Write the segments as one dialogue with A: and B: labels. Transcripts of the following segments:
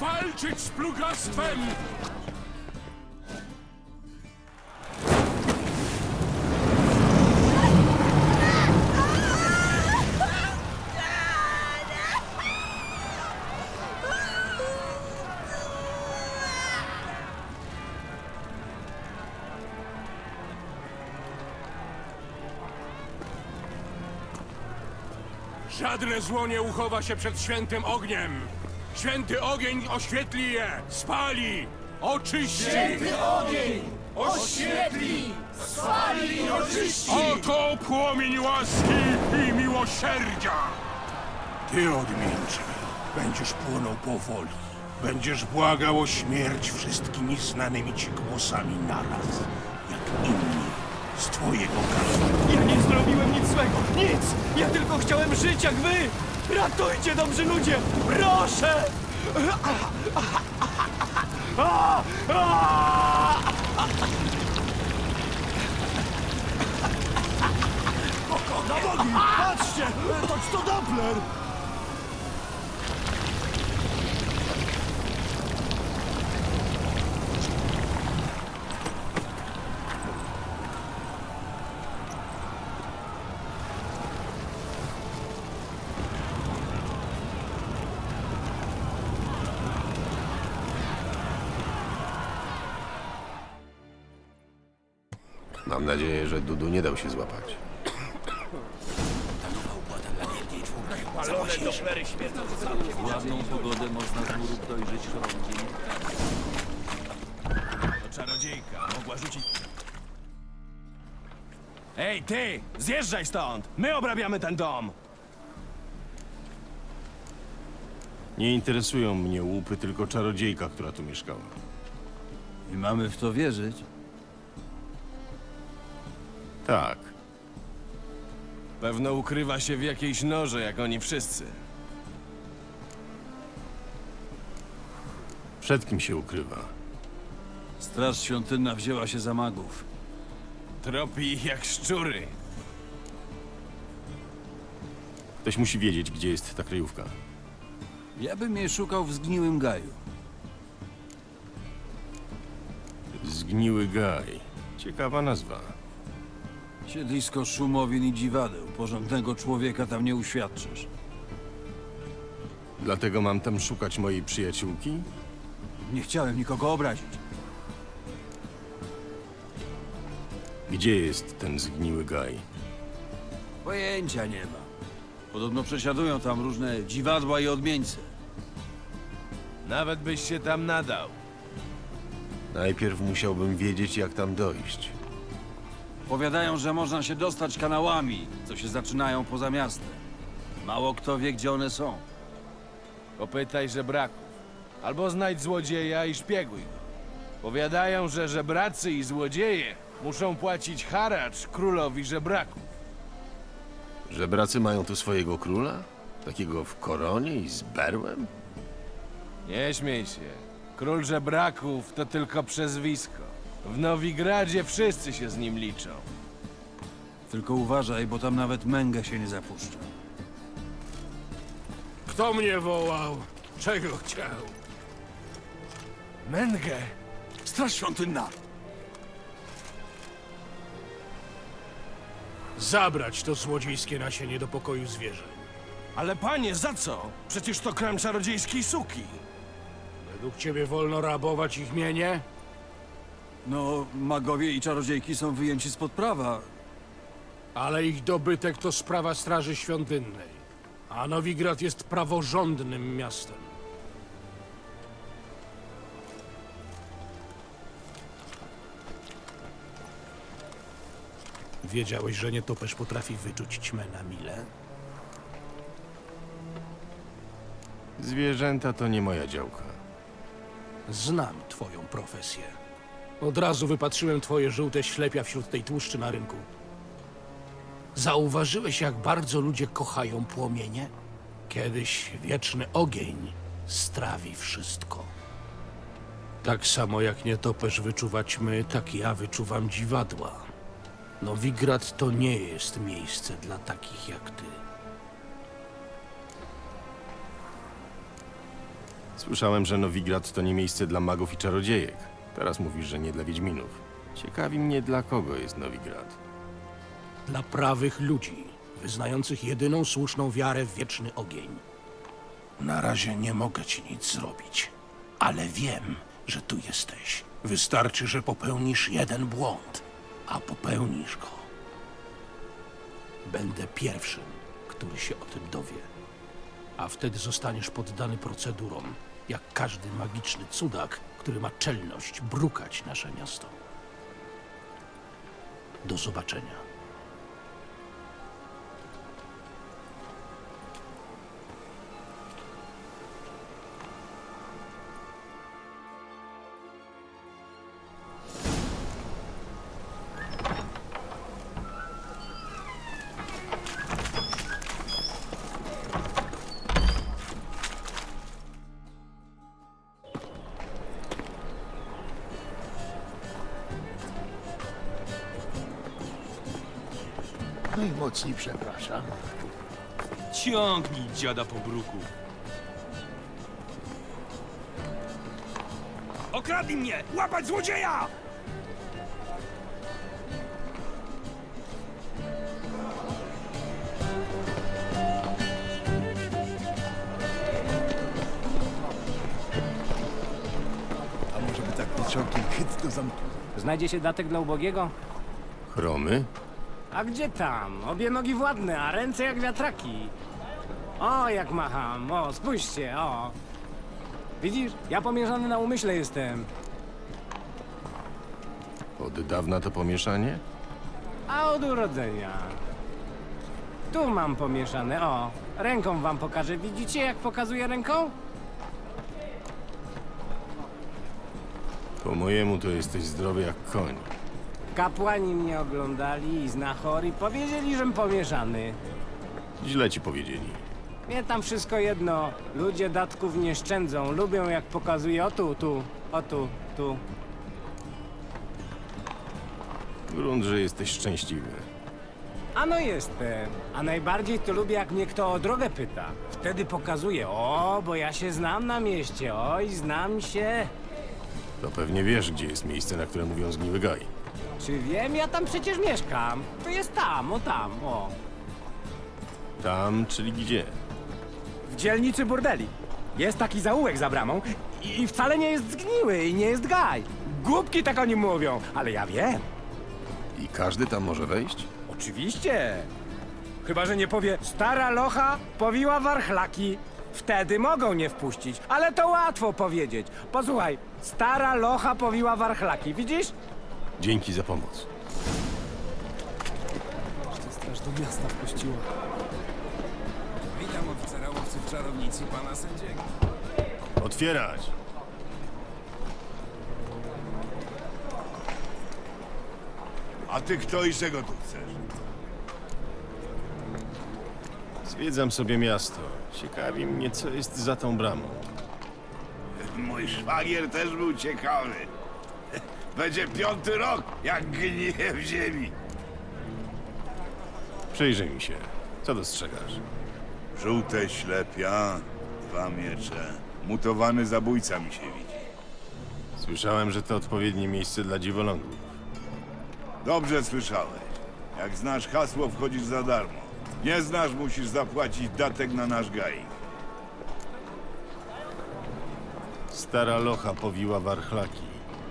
A: walczyć z plugastwem! Żadne zło nie uchowa się przed świętym ogniem. Święty ogień oświetli je, spali, oczyści.
B: Święty ogień oświetli, spali i oczyści!
A: Oto płomień łaski i miłosierdzia. Ty, odmieńcze, będziesz płonął powoli. Będziesz błagał o śmierć wszystkimi znanymi ci głosami naraz, jak inni z twojego kraju.
B: Ja nie zrobiłem nic złego, nic! Ja tylko chciałem żyć jak wy! Ratujcie, dobrzy ludzie! Proszę! Na nogi! Patrzcie! To Doppler!
C: Mam nadzieję, że Dudu nie dał się złapać.
B: Palone Dopplery śmierdzą
D: W ładną pogodę można z murów dojrzeć chorągi.
B: To czarodziejka, mogła rzucić... Ej, ty! Zjeżdżaj stąd! My obrabiamy ten dom!
E: Nie interesują mnie łupy, tylko czarodziejka, która tu mieszkała.
D: I mamy w to wierzyć?
E: Tak.
B: Pewno ukrywa się w jakiejś norze, jak oni wszyscy.
E: Przed kim się ukrywa?
D: Straż świątynna wzięła się za magów.
B: Tropi ich jak szczury.
E: Ktoś musi wiedzieć, gdzie jest ta kryjówka.
D: Ja bym jej szukał w zgniłym gaju.
E: Zgniły gaj. Ciekawa nazwa.
D: Siedlisko szumowin i dziwadeł. Porządnego człowieka tam nie uświadczysz.
E: Dlatego mam tam szukać mojej przyjaciółki?
D: Nie chciałem nikogo obrazić.
E: Gdzie jest ten zgniły gaj?
D: Pojęcia nie ma. Podobno przesiadują tam różne dziwadła i odmieńce.
B: Nawet byś się tam nadał.
E: Najpierw musiałbym wiedzieć, jak tam dojść.
D: Powiadają, że można się dostać kanałami, co się zaczynają poza miastem. Mało kto wie, gdzie one są.
F: Popytaj żebraków. Albo znajdź złodzieja i szpieguj go. Powiadają, że żebracy i złodzieje muszą płacić haracz królowi żebraków.
E: Żebracy mają tu swojego króla? Takiego w koronie i z berłem?
F: Nie śmiej się. Król żebraków to tylko przezwisko. W Nowigradzie wszyscy się z nim liczą.
D: Tylko uważaj, bo tam nawet męgę się nie zapuszcza.
A: Kto mnie wołał? Czego chciał?
B: Mengę!
D: Straż świątynna!
A: Zabrać to złodziejskie nasienie do pokoju zwierzeń.
B: Ale panie, za co? Przecież to krem czarodziejskiej suki.
A: Według ciebie wolno rabować ich mienie?
D: No, magowie i czarodziejki są wyjęci spod prawa.
A: Ale ich dobytek to sprawa Straży Świątynnej. A Nowigrad jest praworządnym miastem. Wiedziałeś, że nietoperz potrafi wyczuć ćmę na mile?
E: Zwierzęta to nie moja działka.
A: Znam twoją profesję. Od razu wypatrzyłem twoje żółte ślepia wśród tej tłuszczy na rynku. Zauważyłeś, jak bardzo ludzie kochają płomienie? Kiedyś wieczny ogień strawi wszystko. Tak samo jak nietoperz wyczuwa ćmy, tak ja wyczuwam dziwadła. Nowigrad to nie jest miejsce dla takich jak ty.
E: Słyszałem, że Nowigrad to nie miejsce dla magów i czarodziejek. Teraz mówisz, że nie dla wiedźminów. Ciekawi mnie, dla kogo jest Nowigrad.
A: Dla prawych ludzi, wyznających jedyną słuszną wiarę w wieczny ogień. Na razie nie mogę ci nic zrobić, ale wiem, że tu jesteś. Wystarczy, że popełnisz jeden błąd, a popełnisz go. Będę pierwszym, który się o tym dowie. A wtedy zostaniesz poddany procedurom, jak każdy magiczny cudak, który ma czelność brukać nasze miasto. Do zobaczenia.
G: Najmocniej przepraszam.
B: Ciągnij dziada po bruku. Okradli mnie! Łapać złodzieja!
G: A może by tak pociągiem chyt do zamku?
H: Znajdzie się datek dla ubogiego?
E: Chromy?
H: A gdzie tam? Obie nogi władne, a ręce jak wiatraki. O, jak macham. O, spójrzcie, o. Widzisz? Ja pomierzany na umyśle jestem.
E: Od dawna to pomieszanie?
H: A od urodzenia. Tu mam pomieszane, o. Ręką wam pokażę. Widzicie, jak pokazuję ręką?
E: Po mojemu to jesteś zdrowy jak koń.
H: Kapłani mnie oglądali i znachori powiedzieli, żem pomieszany.
E: Źle ci powiedzieli.
H: Mnie tam wszystko jedno. Ludzie datków nie szczędzą. Lubią, jak pokazuję o tu, tu, o tu, tu.
E: Grunt, że jesteś szczęśliwy.
H: Ano jestem. A najbardziej to lubię, jak mnie kto o drogę pyta. Wtedy pokazuję, o, bo ja się znam na mieście. Oj, znam się.
E: To pewnie wiesz, gdzie jest miejsce, na które mówią zgniły gaj.
H: Czy wiem? Ja tam przecież mieszkam. To jest tam, o.
E: Tam, czyli gdzie?
H: W dzielnicy burdeli. Jest taki zaułek za bramą i wcale nie jest zgniły i nie jest gaj. Głupki tak o nim mówią, ale ja wiem.
E: I każdy tam może wejść?
H: Oczywiście. Chyba że nie powie, stara locha powiła warchlaki. Wtedy mogą nie wpuścić, ale to łatwo powiedzieć. Posłuchaj, stara locha powiła warchlaki, widzisz?
E: Dzięki za pomoc.
B: Straż do miasta wpuściła.
D: Witam oficera łowców czarownicy pana sędziego.
E: Otwierać!
G: A ty kto i czego tu chcesz?
E: Zwiedzam sobie miasto. Ciekawi mnie, co jest za tą bramą.
G: Mój szwagier też był ciekawy. Będzie 5. rok, jak gnije w ziemi.
E: Przyjrzyj mi się. Co dostrzegasz?
G: Żółte ślepia, 2 miecze. Mutowany zabójca mi się widzi.
E: Słyszałem, że to odpowiednie miejsce dla dziwolągów.
G: Dobrze słyszałeś. Jak znasz hasło, wchodzisz za darmo. Nie znasz, musisz zapłacić datek na nasz gaik.
E: Stara locha powiła warchlaki.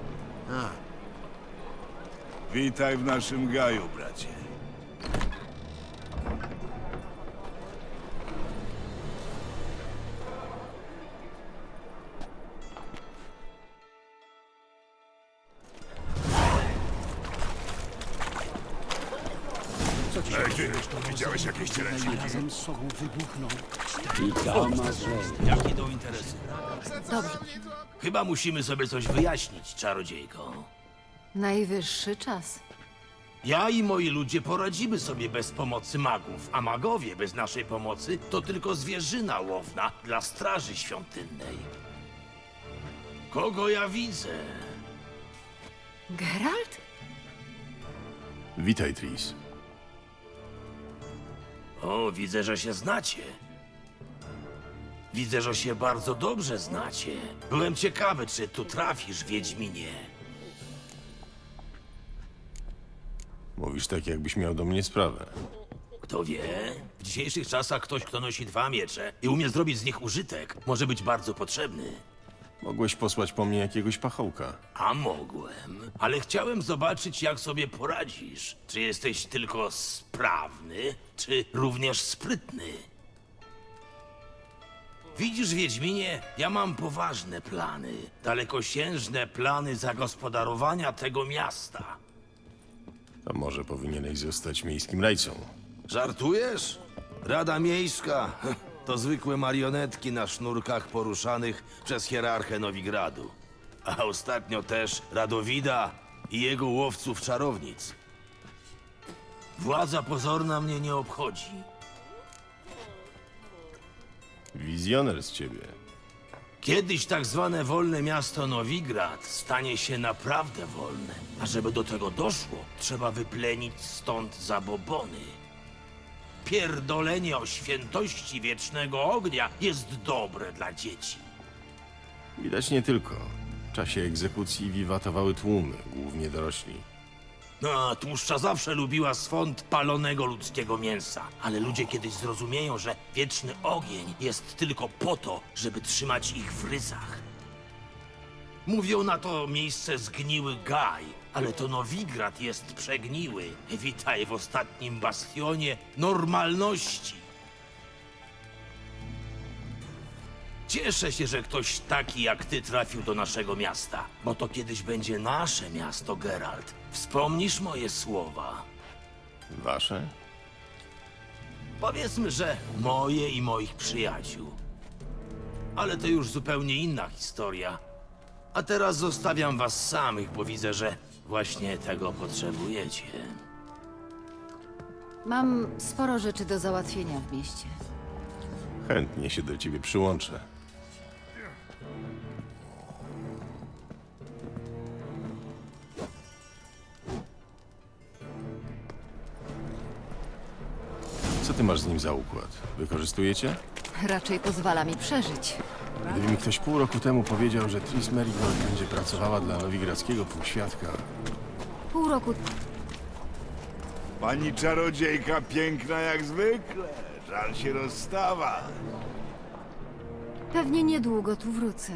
G: Witaj w naszym gaju, bracie. Widziałeś jakieś cielęciki?
I: Jakie to interesy?
J: Dobrze,
I: Chyba musimy sobie coś wyjaśnić, czarodziejko.
J: najwyższy czas.
I: Ja i moi ludzie poradzimy sobie bez pomocy magów, a magowie bez naszej pomocy to tylko zwierzyna łowna dla straży świątynnej. Kogo ja widzę?
J: Geralt?
E: Witaj, Tris.
I: O, widzę, że się znacie. Widzę, że się bardzo dobrze znacie. Byłem ciekawy, czy tu trafisz, Wiedźminie.
E: Mówisz tak, jakbyś miał do mnie sprawę.
I: Kto wie? W dzisiejszych czasach ktoś, kto nosi 2 miecze i umie zrobić z nich użytek, może być bardzo potrzebny.
E: Mogłeś posłać po mnie jakiegoś pachołka.
I: A mogłem, ale chciałem zobaczyć, jak sobie poradzisz. Czy jesteś tylko sprawny, czy również sprytny? Widzisz, Wiedźminie, ja mam poważne plany, dalekosiężne plany zagospodarowania tego miasta.
E: To może powinieneś zostać miejskim rajcą.
I: Żartujesz? Rada Miejska to zwykłe marionetki na sznurkach poruszanych przez hierarchę Nowigradu. A ostatnio też Radowida i jego łowców czarownic. Władza pozorna mnie nie obchodzi.
E: Wizjoner z ciebie.
I: Kiedyś tak zwane wolne miasto Nowigrad stanie się naprawdę wolne. A żeby do tego doszło, trzeba wyplenić stąd zabobony. Pierdolenie o świętości wiecznego ognia jest dobre dla dzieci.
E: Widać nie tylko. W czasie egzekucji wiwatowały tłumy, głównie dorośli.
I: No, tłuszcza zawsze lubiła swąd palonego ludzkiego mięsa. Ale ludzie kiedyś zrozumieją, że wieczny ogień jest tylko po to, żeby trzymać ich w ryzach. Mówią na to miejsce zgniły gaj, ale to Nowigrad jest przegniły. Witaj w ostatnim bastionie normalności. Cieszę się, że ktoś taki jak ty trafił do naszego miasta, bo to kiedyś będzie nasze miasto, Geralt. Wspomnisz moje słowa?
E: Wasze?
I: Powiedzmy, że moje i moich przyjaciół. Ale to już zupełnie inna historia. A teraz zostawiam was samych, bo widzę, że właśnie tego potrzebujecie.
J: Mam sporo rzeczy do załatwienia w mieście.
E: Chętnie się do ciebie przyłączę. Co ty masz z nim za układ? Wykorzystujecie?
J: Raczej pozwala mi przeżyć.
E: Gdyby mi ktoś pół roku temu powiedział, że Tris Merigold będzie pracowała dla nowigradzkiego półświadka,
J: Pół roku
G: Pani czarodziejka piękna jak zwykle. Żal się rozstawać.
J: pewnie niedługo tu wrócę.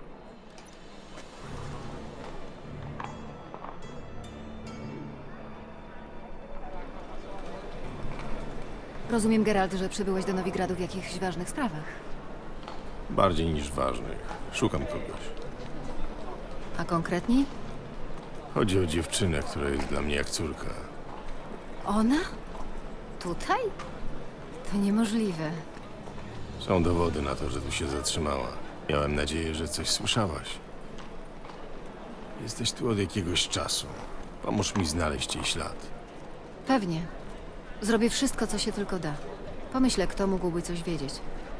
J: Rozumiem, Geralt, że przybyłeś do Nowigradu w jakichś ważnych sprawach.
E: bardziej niż ważnych, szukam kogoś.
J: A konkretniej?
E: Chodzi o dziewczynę, która jest dla mnie jak córka.
J: Ona? Tutaj? To niemożliwe.
E: Są dowody na to, że tu się zatrzymała. Miałem nadzieję, że coś słyszałaś. Jesteś tu od jakiegoś czasu. Pomóż mi znaleźć jej ślad.
J: Pewnie. Zrobię wszystko, co się tylko da. Pomyślę, kto mógłby coś wiedzieć.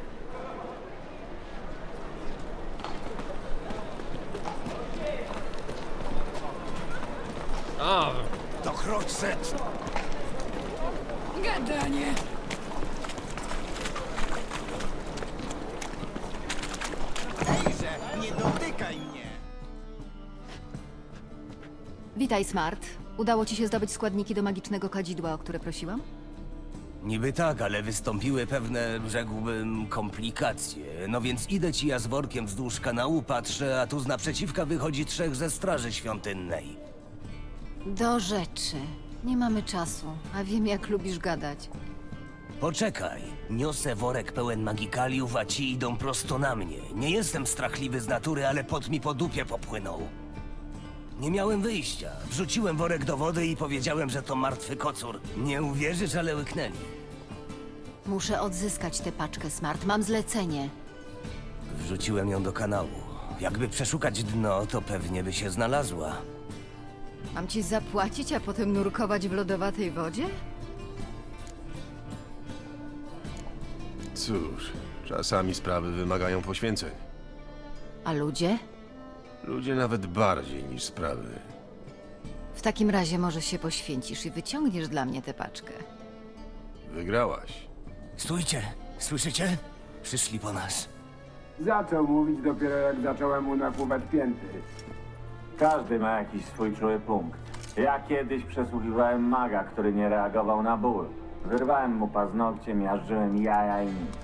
B: To Kroczet! Gadanie!
I: Nie dotykaj mnie!
J: Witaj, Smart. Udało ci się zdobyć składniki do magicznego kadzidła, o które prosiłam?
K: Niby tak, ale wystąpiły pewne, rzekłbym, komplikacje. No więc idę ci ja z workiem wzdłuż kanału, patrzę, a tu z naprzeciwka wychodzi 3 ze straży świątynnej.
J: Do rzeczy. Nie mamy czasu, a wiem, jak lubisz gadać.
K: Poczekaj, niosę worek pełen magikaliów, a ci idą prosto na mnie. Nie jestem strachliwy z natury, ale pot mi po dupie popłynął. Nie miałem wyjścia. Wrzuciłem worek do wody i powiedziałem, że to martwy kocur. Nie uwierzysz, ale łyknęli.
J: Muszę odzyskać tę paczkę, Smart. Mam zlecenie.
K: Wrzuciłem ją do kanału. Jakby przeszukać dno, to pewnie by się znalazła.
J: Mam ci zapłacić, a potem nurkować w lodowatej wodzie?
E: Cóż, czasami sprawy wymagają poświęceń.
J: A ludzie?
E: Ludzie nawet bardziej niż sprawy.
J: W takim razie może się poświęcisz i wyciągniesz dla mnie tę paczkę.
E: Wygrałaś.
K: Stójcie! Słyszycie? Przyszli po nas.
H: Zaczął mówić dopiero jak zacząłem mu nakłuwać pięty.
L: Każdy ma jakiś swój czuły punkt. Ja kiedyś przesłuchiwałem maga, który nie reagował na ból. Wyrwałem mu paznokcie, miażdżyłem jaja i nic.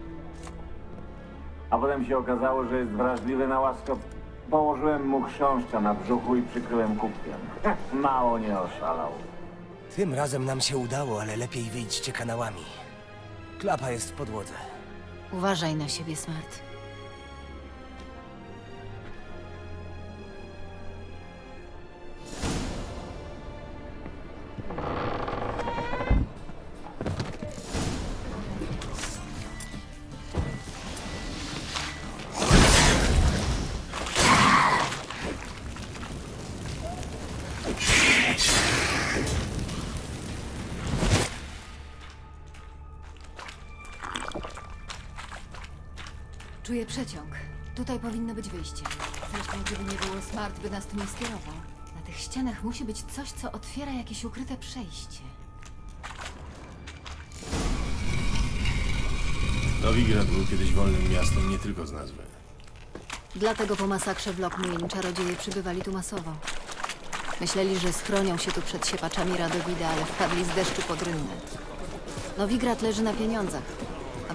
L: A potem się okazało, że jest wrażliwy na łaskot. Położyłem mu chrząszcza na brzuchu i przykryłem kubkiem. Mało nie oszalał.
K: Tym razem nam się udało, ale lepiej wyjdźcie kanałami. Klapa jest w podłodze.
J: Uważaj na siebie, Smart. Czuję przeciąg. Tutaj powinno być wyjście. Zresztą, gdyby nie było, Smart by nas tu nie skierował. Na tych ścianach musi być coś, co otwiera jakieś ukryte przejście.
E: Nowigrad był kiedyś wolnym miastem nie tylko z nazwy.
J: Dlatego po masakrze w Lockmuir czarodzieje przybywali tu masowo. Myśleli, że schronią się tu przed siepaczami Radowida, ale wpadli z deszczu pod rynnę. Nowigrad leży na pieniądzach, a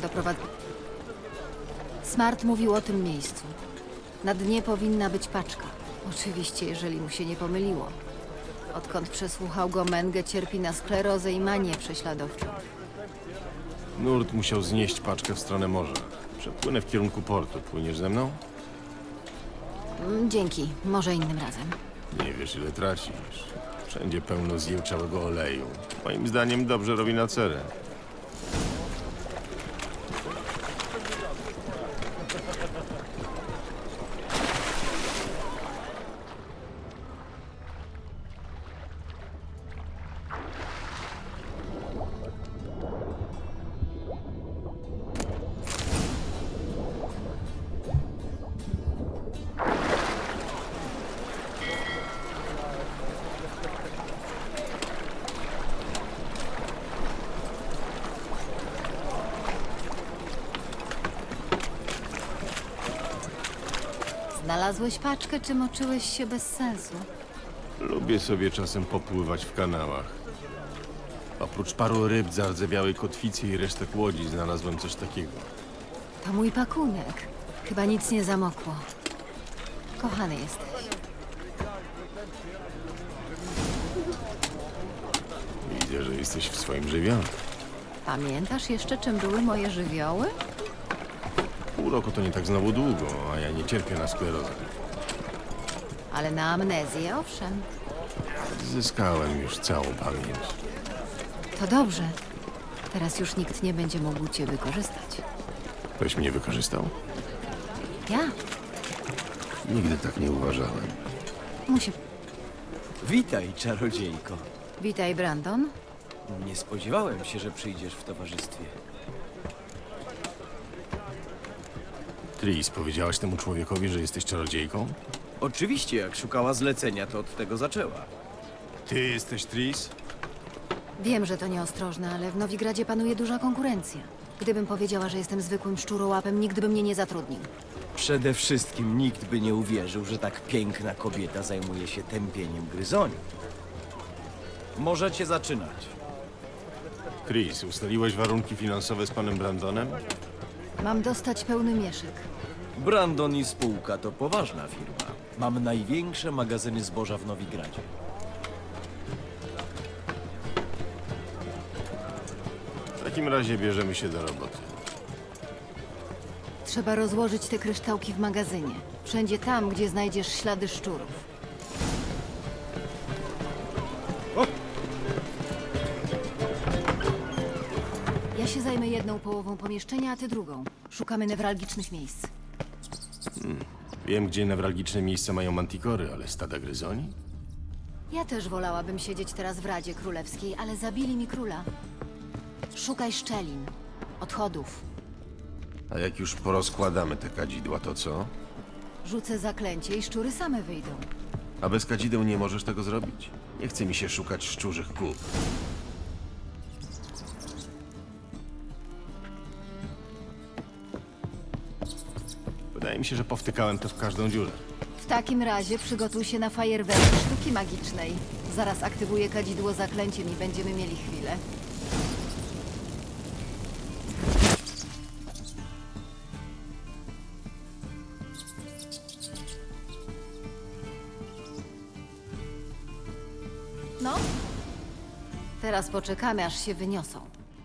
J: Smart mówił o tym miejscu. Na dnie powinna być paczka. Oczywiście, jeżeli mu się nie pomyliło. Odkąd przesłuchał go, Menge cierpi na sklerozę i manię prześladowczą.
E: Nurt musiał znieść paczkę w stronę morza. Przepłynę w kierunku portu. Płyniesz ze mną?
J: Dzięki, może innym razem.
E: Nie wiesz, ile tracisz. Wszędzie pełno zjełczałego oleju. Moim zdaniem dobrze robi na cerę.
J: Znalazłeś paczkę, czy moczyłeś się bez sensu?
E: Lubię sobie czasem popływać w kanałach. Oprócz paru ryb, zardzewiałej kotwicy i resztek łodzi znalazłem coś takiego.
J: To mój pakunek. Chyba nic nie zamokło. Kochany jesteś.
E: Widzę, że jesteś w swoim żywiole.
J: Pamiętasz jeszcze, czym były moje żywioły?
E: Pół roku to nie tak znowu długo, a ja nie cierpię na sklerozę.
J: Ale na amnezję, owszem.
E: Zyskałem już całą pamięć.
J: To dobrze. Teraz już nikt nie będzie mógł cię wykorzystać.
E: Ktoś mnie wykorzystał?
J: Ja?
E: Nigdy tak nie uważałem.
J: Musi...
B: Witaj, czarodziejko.
J: Witaj, Brandon.
B: Nie spodziewałem się, że przyjdziesz w towarzystwie.
E: Tris, powiedziałaś temu człowiekowi, że jesteś czarodziejką?
B: Oczywiście, jak szukała zlecenia, to od tego zaczęła.
E: Ty jesteś Tris?
J: Wiem, że to nieostrożne, ale w Nowigradzie panuje duża konkurencja. Gdybym powiedziała, że jestem zwykłym szczurołapem, nikt by mnie nie zatrudnił.
B: Przede wszystkim nikt by nie uwierzył, że tak piękna kobieta zajmuje się tępieniem gryzoni. Możecie zaczynać.
E: Tris, ustaliłeś warunki finansowe z panem Brandonem?
J: Mam dostać pełny mieszek.
B: Brandon i spółka to poważna firma. Mam największe magazyny zboża w Nowigradzie.
E: W takim razie bierzemy się do roboty.
J: Trzeba rozłożyć te kryształki w magazynie. Wszędzie tam, gdzie znajdziesz ślady szczurów. Ja się zajmę jedną połową pomieszczenia, a ty drugą. Szukamy newralgicznych miejsc.
E: Wiem, gdzie newralgiczne miejsca mają mantikory, ale stada gryzoni?
J: Ja też wolałabym siedzieć teraz w Radzie Królewskiej, ale zabili mi króla. Szukaj szczelin, odchodów.
C: A jak już porozkładamy te kadzidła, to co?
J: Rzucę zaklęcie i szczury same wyjdą.
C: A bez kadzideł nie możesz tego zrobić? Nie chce mi się szukać szczurzych kup.
E: Wydaje mi się, że powtykałem to w każdą dziurę.
J: W takim razie przygotuj się na fajerwerk sztuki magicznej. Zaraz aktywuję kadzidło zaklęciem i będziemy mieli chwilę. No, teraz poczekamy, aż się wyniosą.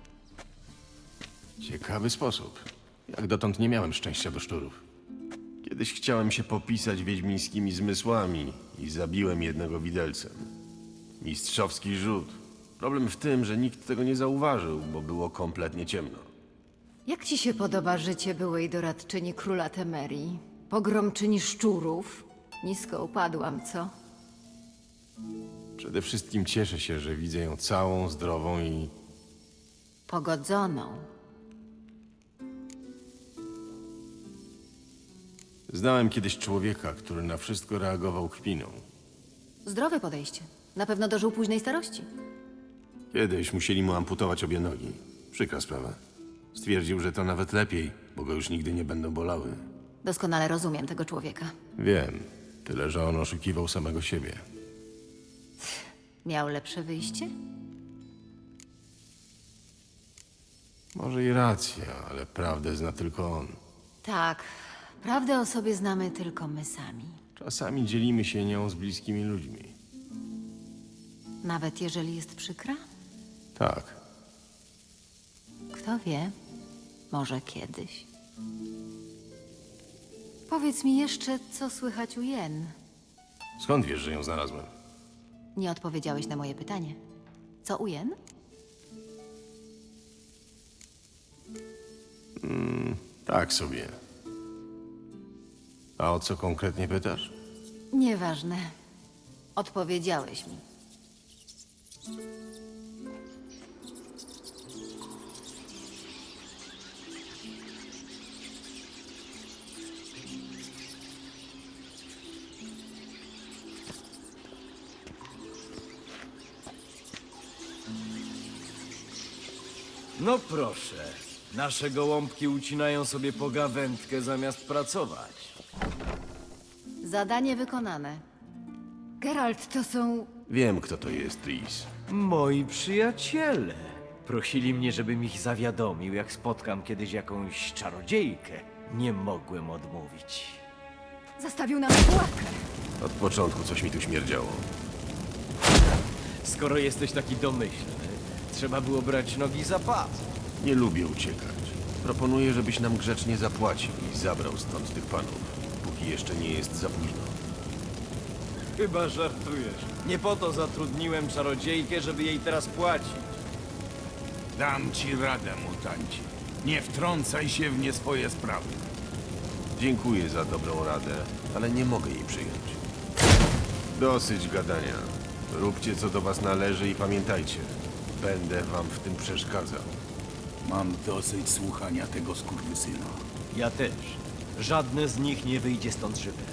E: Ciekawy sposób. Jak dotąd nie miałem szczęścia do szczurów. Kiedyś chciałem się popisać wiedźmińskimi zmysłami i zabiłem jednego widelcem. Mistrzowski rzut. Problem w tym, że nikt tego nie zauważył, bo było kompletnie ciemno.
J: Jak ci się podoba życie byłej doradczyni króla Temerii? Pogromczyni szczurów? Nisko upadłam, co?
E: Przede wszystkim cieszę się, że widzę ją całą, zdrową i...
J: Pogodzoną.
E: Znałem kiedyś człowieka, który na wszystko reagował kpiną.
J: Zdrowe podejście. Na pewno dożył późnej starości.
E: Kiedyś musieli mu amputować obie nogi. Przykra sprawa. Stwierdził, że to nawet lepiej, bo go już nigdy nie będą bolały.
J: Doskonale rozumiem tego człowieka.
E: Wiem, tyle że on oszukiwał samego siebie.
J: Miał lepsze wyjście?
E: Może i racja, ale prawdę zna tylko on.
J: Tak. Prawdę o sobie znamy tylko my sami.
E: Czasami dzielimy się nią z bliskimi ludźmi.
J: Nawet jeżeli jest przykra?
E: Tak.
J: Kto wie? Może kiedyś. Powiedz mi jeszcze, co słychać u Jen.
E: Skąd wiesz, że ją znalazłem?
J: Nie odpowiedziałeś na moje pytanie. Co u Jen?
E: Tak sobie. A o co konkretnie pytasz?
J: Nieważne. Odpowiedziałeś mi.
B: No proszę, nasze gołąbki ucinają sobie pogawędkę zamiast pracować.
J: Zadanie wykonane. Geralt, to są...
E: Wiem, kto to jest, Tris.
B: Moi przyjaciele. Prosili mnie, żebym ich zawiadomił, jak spotkam kiedyś jakąś czarodziejkę. Nie mogłem odmówić.
J: Zastawił nam pułapkę.
E: Od początku coś mi tu śmierdziało.
B: Skoro jesteś taki domyślny, trzeba było brać nogi za pas.
E: Nie lubię uciekać. Proponuję, żebyś nam grzecznie zapłacił i zabrał stąd tych panów, póki jeszcze nie jest za późno.
B: Chyba żartujesz. Nie po to zatrudniłem czarodziejkę, żeby jej teraz płacić.
G: Dam ci radę, mutancie. Nie wtrącaj się w nie swoje sprawy.
E: Dziękuję za dobrą radę, ale nie mogę jej przyjąć. Dosyć gadania. Róbcie, co do was należy i pamiętajcie, będę wam w tym przeszkadzał.
G: Mam dosyć słuchania tego skurwysyna.
B: Ja też. Żadne z nich nie wyjdzie stąd żywe.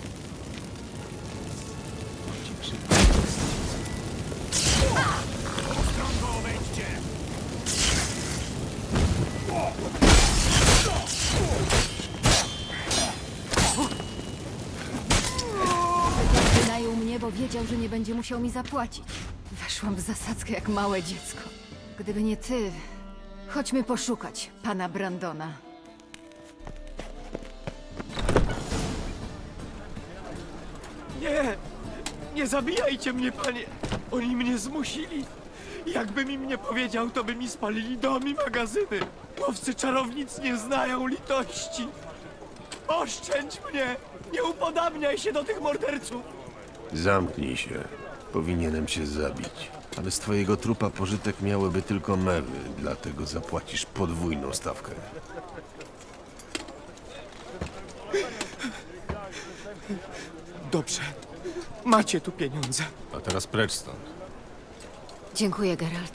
J: Wynajął mnie, bo wiedział, że nie będzie musiał mi zapłacić. Weszłam w zasadzkę jak małe dziecko. Gdyby nie ty... Chodźmy poszukać pana Brandona.
B: Nie! Nie zabijajcie mnie, panie! Oni mnie zmusili! Jakbym im nie powiedział, to by mi spalili dom i magazyny! Łowcy czarownic nie znają litości! Oszczędź mnie! Nie upodabniaj się do tych morderców!
E: Zamknij się. Powinienem cię zabić. Ale z twojego trupa pożytek miałyby tylko mewy, dlatego zapłacisz podwójną stawkę.
B: Dobrze. Macie tu pieniądze.
E: A teraz precz stąd.
J: Dziękuję, Geralt.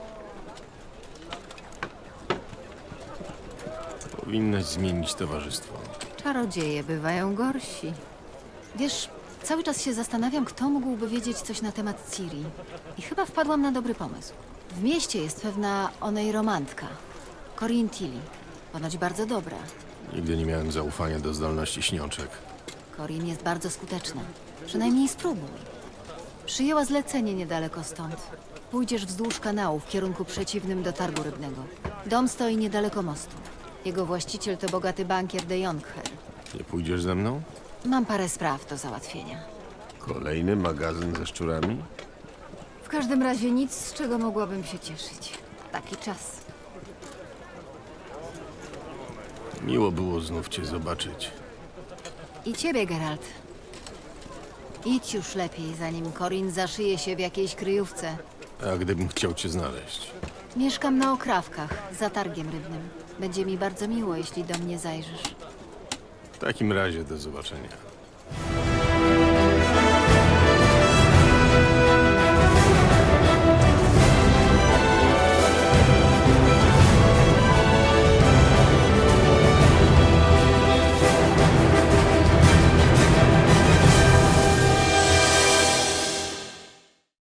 E: Powinnaś zmienić towarzystwo.
J: Czarodzieje bywają gorsi. Wiesz, cały czas się zastanawiam, kto mógłby wiedzieć coś na temat Ciri. I chyba wpadłam na dobry pomysł. W mieście jest pewna onej romantka. Corinne Tilly. Ponoć bardzo dobra.
E: Nigdy nie miałem zaufania do zdolności śniączek.
J: Corin jest bardzo skuteczna. Przynajmniej spróbuj. Przyjęła zlecenie niedaleko stąd. Pójdziesz wzdłuż kanału w kierunku przeciwnym do targu rybnego. Dom stoi niedaleko mostu. Jego właściciel to bogaty bankier de Jonkher.
E: Nie pójdziesz ze mną?
J: Mam parę spraw do załatwienia.
E: Kolejny magazyn ze szczurami?
J: W każdym razie nic, z czego mogłabym się cieszyć. Taki czas.
E: Miło było znów cię zobaczyć.
J: I ciebie, Geralt. Idź już lepiej, zanim Corin zaszyje się w jakiejś kryjówce.
E: A gdybym chciał cię znaleźć?
J: Mieszkam na Okrawkach, za targiem rybnym. Będzie mi bardzo miło, jeśli do mnie zajrzysz.
E: W takim razie do zobaczenia.